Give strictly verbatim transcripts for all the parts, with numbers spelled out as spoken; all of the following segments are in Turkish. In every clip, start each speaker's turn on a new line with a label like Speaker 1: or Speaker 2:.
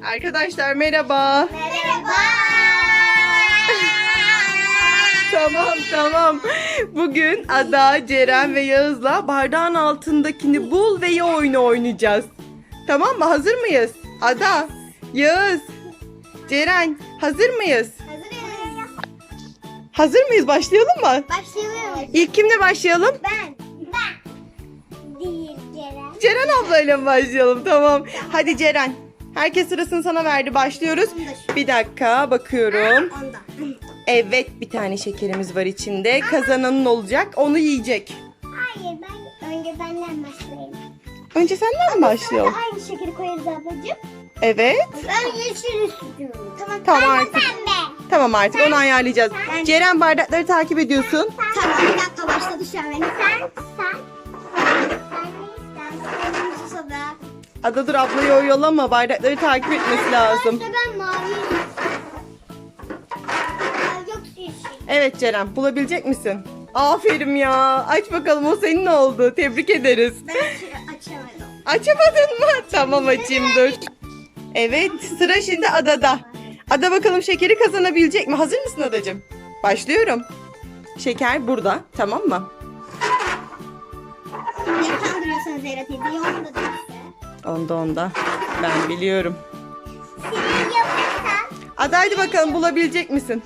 Speaker 1: Arkadaşlar merhaba.
Speaker 2: Merhaba.
Speaker 1: Tamam tamam. Bugün Ada, Ceren ve Yağız'la bardağın altındakini bul ve ye oyunu oynayacağız. Tamam mı? Hazır mıyız? Ada, Yağız, Ceren hazır mıyız?
Speaker 2: Hazırız.
Speaker 1: Hazır mıyız? Başlayalım mı?
Speaker 2: Başlayalım.
Speaker 1: İlk kimle başlayalım?
Speaker 2: Ben. Ben. Değil Ceren.
Speaker 1: Ceren ablayla mı başlayalım? Tamam. Hadi Ceren. Herkes sırasını sana verdi. Başlıyoruz. Bir dakika bakıyorum.
Speaker 2: Onda.
Speaker 1: Evet, bir tane şekerimiz var içinde. Kazananın olacak. Onu yiyecek.
Speaker 2: Hayır, ben önce benden başlayayım.
Speaker 1: Önce senden mi başlayalım?
Speaker 2: Sonra aynı şekeri koyarız ablacığım.
Speaker 1: Evet.
Speaker 2: Ben yeşil istiyorum. Tamam.
Speaker 1: Tamam
Speaker 2: ben
Speaker 1: artık.
Speaker 2: de pembe.
Speaker 1: Tamam artık onu ayarlayacağız. Ceren, bardakları takip ediyorsun.
Speaker 2: Tamam, bir dakika başladı şu an benim. Sen, sen. Sen ne istersin? Susadı.
Speaker 1: Ada dur, ablayı oyalama. Bardakları takip etmesi lazım.
Speaker 2: İşte ben mavi. Yok yeşil.
Speaker 1: Evet Ceren, bulabilecek misin? Aferin ya. Aç bakalım, o senin oldu. Tebrik ederiz.
Speaker 2: Ben aç- açamadım.
Speaker 1: Açamadın mı? Tamam, açayım dur. Evet, sıra şimdi Ada'da. Ada bakalım şekeri kazanabilecek mi? Hazır mısın Adacığım? Başlıyorum. Şeker burada, tamam mı?
Speaker 2: Beni kandırıyorsunuz Zehra teyze. Yolunda değilse.
Speaker 1: Onda onda. Ben biliyorum.
Speaker 2: Senin yapırsan.
Speaker 1: Ada hadi bakalım, bulabilecek misin?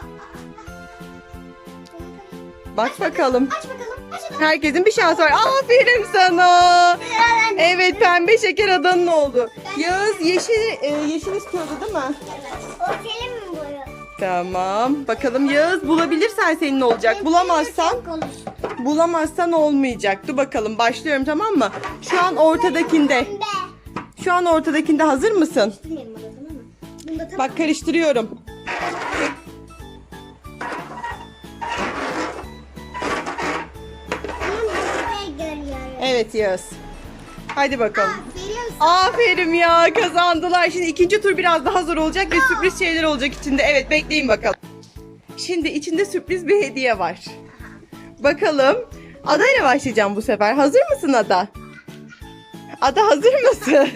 Speaker 1: Bak bakalım.
Speaker 2: Aç bakalım. Aç bakalım.
Speaker 1: Herkesin bir şansı var. Aferin sana. Evet, pembe şeker Ada'nın oldu. Yağız yeşil e, yeşil istiyordu değil mi?
Speaker 2: O senin mi boyu?
Speaker 1: Tamam. Bakalım Yağız, bulabilirsen senin olacak. Bulamazsan bulamazsan olmayacak. Dur bakalım, başlıyorum tamam mı? Şu an ortadakinde.
Speaker 2: Pembe.
Speaker 1: Şu an ortadakinde hazır mısın?
Speaker 2: Bilmiyorum orasını ama. Bunda tam
Speaker 1: Bak, karıştırıyorum.
Speaker 2: bunu görüyorum.
Speaker 1: Evet Yağız. Hadi bakalım.
Speaker 2: Veriyorsun.
Speaker 1: Aferin ya, kazandılar. Şimdi ikinci tur biraz daha zor olacak ve sürpriz şeyler olacak içinde. Evet, bekleyin bakalım. Şimdi içinde sürpriz bir hediye var. Bakalım. Ada ile başlayacağım bu sefer. Hazır mısın Ada? Ada hazır mısın?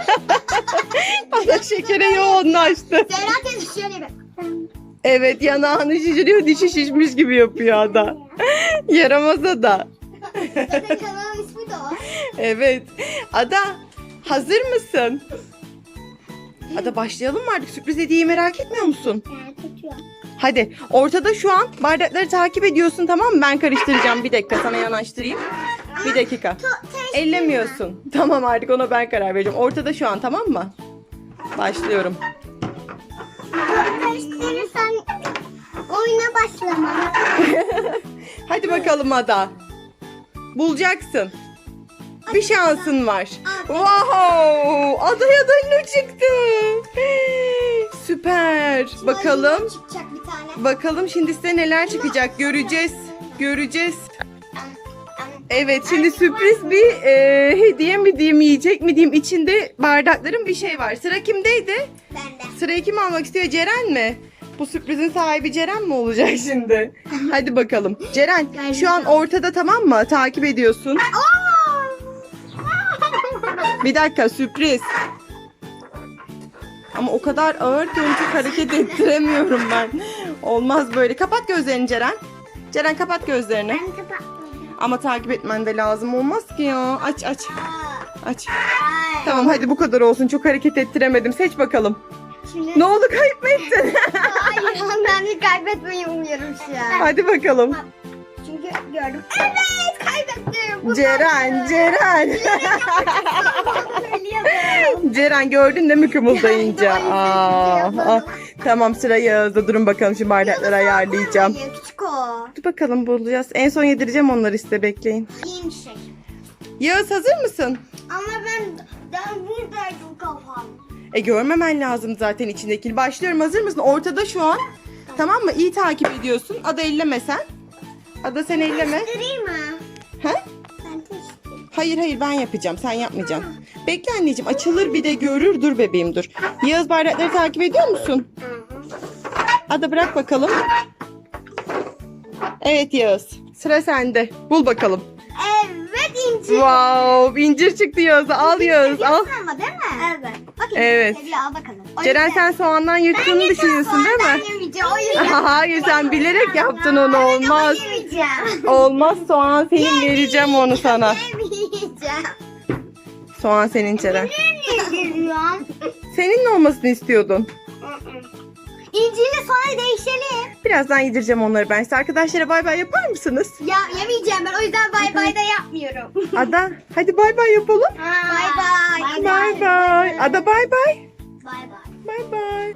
Speaker 1: Ada şekere yoğunlaştı.
Speaker 2: Zehra teyze şöyle bir.
Speaker 1: Evet, yanağını şişiriyor, dişi şişmiş gibi yapıyor Ada. Yaramaz Ada.
Speaker 2: Zaten kanalın ismi de o.
Speaker 1: Evet. Ada hazır mısın? Ada başlayalım mı artık? Sürpriz hediyeyi merak etmiyor musun?
Speaker 2: Ben tutuyorum.
Speaker 1: Hadi. Ortada şu an bardakları takip ediyorsun, tamam mı? Ben karıştıracağım. Bir dakika, sana yanaştırayım. Bir dakika. Ellemiyorsun. Tamam, artık ona ben karar vereceğim. Ortada şu an, tamam mı? Başlıyorum.
Speaker 2: Karıştırırsan oyuna başlama.
Speaker 1: Hadi bakalım Ada. Bulacaksın. Bir şansın var. Wow! Adaya da ne çıktı? Süper. Bakalım.
Speaker 2: Çıkacak bir tane.
Speaker 1: Bakalım şimdi size neler çıkacak. Göreceğiz. Göreceğiz. Evet, şimdi sürpriz bir e, hediye mi diyeyim, yiyecek mi diyeyim, içinde bardakların bir şey var. Sıra kimdeydi?
Speaker 2: Bende.
Speaker 1: Sırayı kim almak istiyor? Ceren mi? Bu sürprizin sahibi Ceren mi olacak şimdi? Hadi bakalım. Ceren şu an ortada, tamam mı? Takip ediyorsun. Bir dakika, sürpriz. Ama o kadar ağır ki onu çok hareket ettiremiyorum ben. Olmaz böyle. Kapat gözlerini Ceren. Ceren kapat gözlerini.
Speaker 2: Ben kapatmadım.
Speaker 1: Ama takip etmen de lazım, olmaz ki ya. Aç aç. Aç.
Speaker 2: Ay.
Speaker 1: Tamam hadi, bu kadar olsun. Çok hareket ettiremedim. Seç bakalım.
Speaker 2: Şimdi...
Speaker 1: Ne oldu, kayıp mı ettin?
Speaker 2: Hayır, ben bir kaybetmeyi umuyorum şu an.
Speaker 1: Hadi bakalım.
Speaker 2: Çünkü gördüm. Evet, kaybettim. Bu
Speaker 1: Ceren, Ceren.
Speaker 2: Söylüyorum.
Speaker 1: Ceren, gördün değil mi kımıldayınca?
Speaker 2: Yani,
Speaker 1: Aa,
Speaker 2: aynen,
Speaker 1: ah. Tamam, sıra Yağız'da. Durun bakalım, şimdi bardakları ayarlayacağım.
Speaker 2: Hayır, küçük o.
Speaker 1: Dur bakalım, bulacağız. En son yedireceğim onları, size bekleyin.
Speaker 2: İyi bir şey.
Speaker 1: Yağız hazır mısın?
Speaker 2: Ama ben, ben buradaydım kafam.
Speaker 1: E görmemen lazım zaten içindekini. Başlıyorum, hazır mısın? Ortada şu an. Tamam mı? İyi takip ediyorsun. Ada elleme sen. Ada sen elleme.
Speaker 2: Karıştırayım mı?
Speaker 1: Ha?
Speaker 2: Ben karıştırayım.
Speaker 1: Hayır hayır, ben yapacağım. Sen yapmayacaksın. Bekle anneciğim, açılır bir de görür. Dur bebeğim dur. Yağız, bardakları takip ediyor musun? Ada bırak bakalım. Evet Yağız. Sıra sende. Bul bakalım.
Speaker 2: Evet, incir.
Speaker 1: Wow, incir çıktı Yağız'a. Al Yağız al.
Speaker 2: Ama değil mi? Evet. Bak
Speaker 1: Evet.
Speaker 2: Seviyor, al bakalım. O
Speaker 1: Ceren
Speaker 2: yüzden-
Speaker 1: sen soğandan yırttığını düşünüyorsun değil
Speaker 2: Ben
Speaker 1: mi?
Speaker 2: yemeyeceğim. O yüzden.
Speaker 1: Hayır sen bilerek yaptın onu, olmaz.
Speaker 2: Ben yemeyeceğim.
Speaker 1: Olmaz, soğan senin, vereceğim onu sana.
Speaker 2: Yemeyeceğim.
Speaker 1: Soğan senin Ceren.
Speaker 2: Yemeyeceğim.
Speaker 1: Senin ne olmasını istiyordun?
Speaker 2: İnciyle sonra değişelim.
Speaker 1: Birazdan yedireceğim onları ben size. Arkadaşlara bay bay yapar mısınız?
Speaker 2: Ya yemeyeceğim ben, o yüzden bay bay da yapmıyorum.
Speaker 1: Ada hadi bay bay yapalım.
Speaker 2: Bay bay.
Speaker 1: Bay bay. Ada bay bay.
Speaker 2: Bay bay.
Speaker 1: Bay bay.